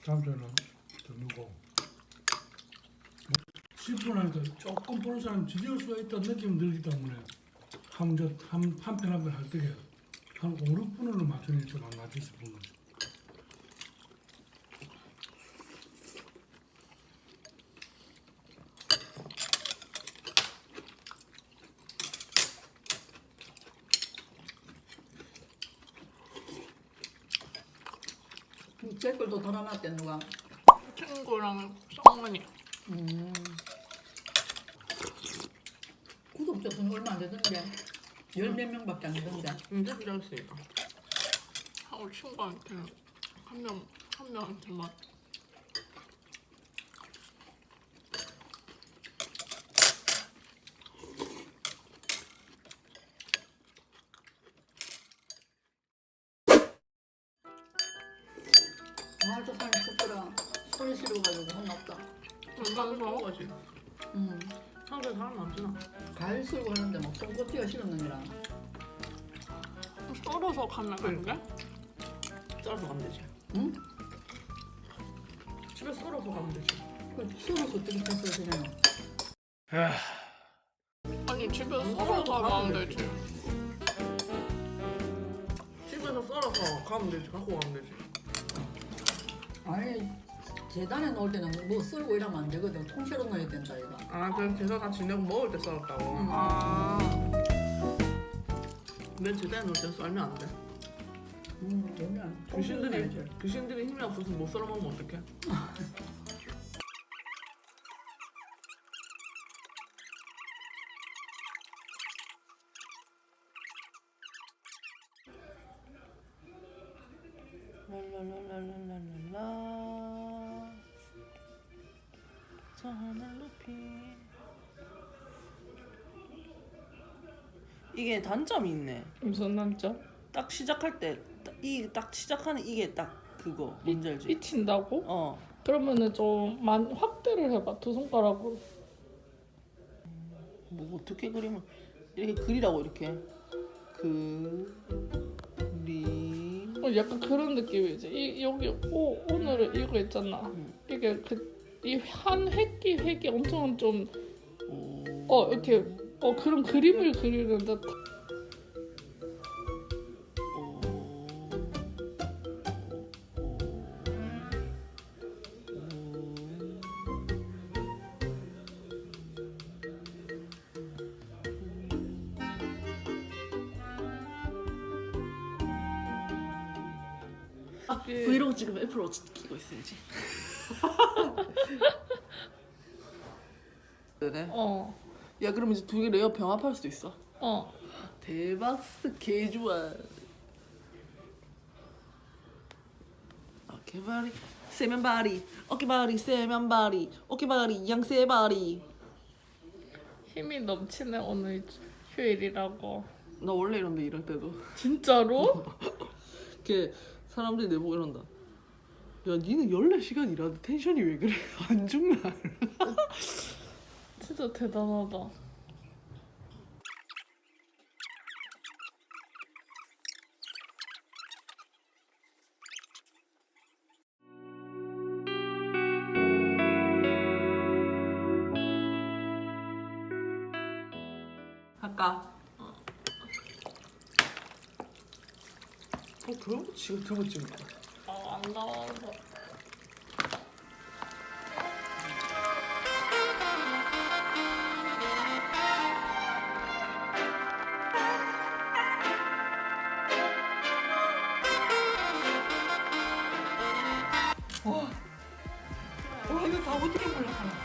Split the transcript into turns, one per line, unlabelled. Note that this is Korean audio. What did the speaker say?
다음주에는 더 넣고 10분 하니까 조금 보는 사람 지겨울 수가 있다는 느낌이 들기 때문에 한 편 한 편 할 때에 한 5, 6분으로 맞추니 좀 안 맞출 수 있는 거죠.
댓글도 달아놨대 누가.
친구랑 쌍문이.
구독자 돈 얼마 안 되던데. 10몇 명밖에 안 되던데.
이제 필요했으니까. 하고 친구한테 한 명한테만.
아, 저 사람이 쑥더라. 소리 지르가지고 혼났다.
건강을 좋아한 거지.
응.
한국에 사람 많잖아.
과일 썰고 하는데 막 손꼽기가 싫은 놈이라.
썰어서 가면 안 돼? 썰어서 가면 되지.
응?
집에 썰어서 가면 되지.
그 썰어서 어떻게 썰어야 되냐.
아니 집에서 썰어서 가면 되지. 집에서 썰어서 가면 되지. 갖고 가면 되지.
아니 재단에 넣을 때는 뭐 썰고 이러면 안 되거든. 통째로 넣어야 된다 이거.
아 그럼 제사 다 지내고 먹을 때 썰었다고?
응.
아. 왜 제사에 넣을 때 썰면 안 돼?
그러면 통째로 넣어야지.
귀신들이 힘이 없어서 못 썰어 먹으면 어떡해? 랄랄랄랄랄랄라 저 하늘 높이 이게 단점이 있네.
무슨 남자?
딱 시작할 때 딱 시작하는 이게 딱 그거 뭔지 알지?
삐친다고?
어
그러면은 좀 확대를 해봐. 두 손가락으로.
뭐 어떻게 그림을 이렇게 그리라고 이렇게 그림
약간 그런 느낌이지. 여기 오늘은 이거 있잖아.
응.
이게 이 한 획이 엄청 좀
오.
이렇게 그런 그림을 그리는 듯.
브이로그 찍으면 애플워치 끼고 있어야지. 그래? 야 그럼 이제 두 개 레이어 병합할 수도 있어. 대박 개 좋아. 어깨바리 세면바리 어깨바리 세면바리 어깨바리 양세바리.
힘이 넘치네 오늘 휴일이라고.
나 원래 이런데 이럴 때도
진짜로?
이렇게 사람들이 내보고 이런다. 야 니는 14시간 일하는데 텐션이 왜 그래? 안 죽나?
진짜 대단하다.
할까? 그런 거 지금 들고 찍는 거야.
안 나와서.
이거 다 어떻게 몰라?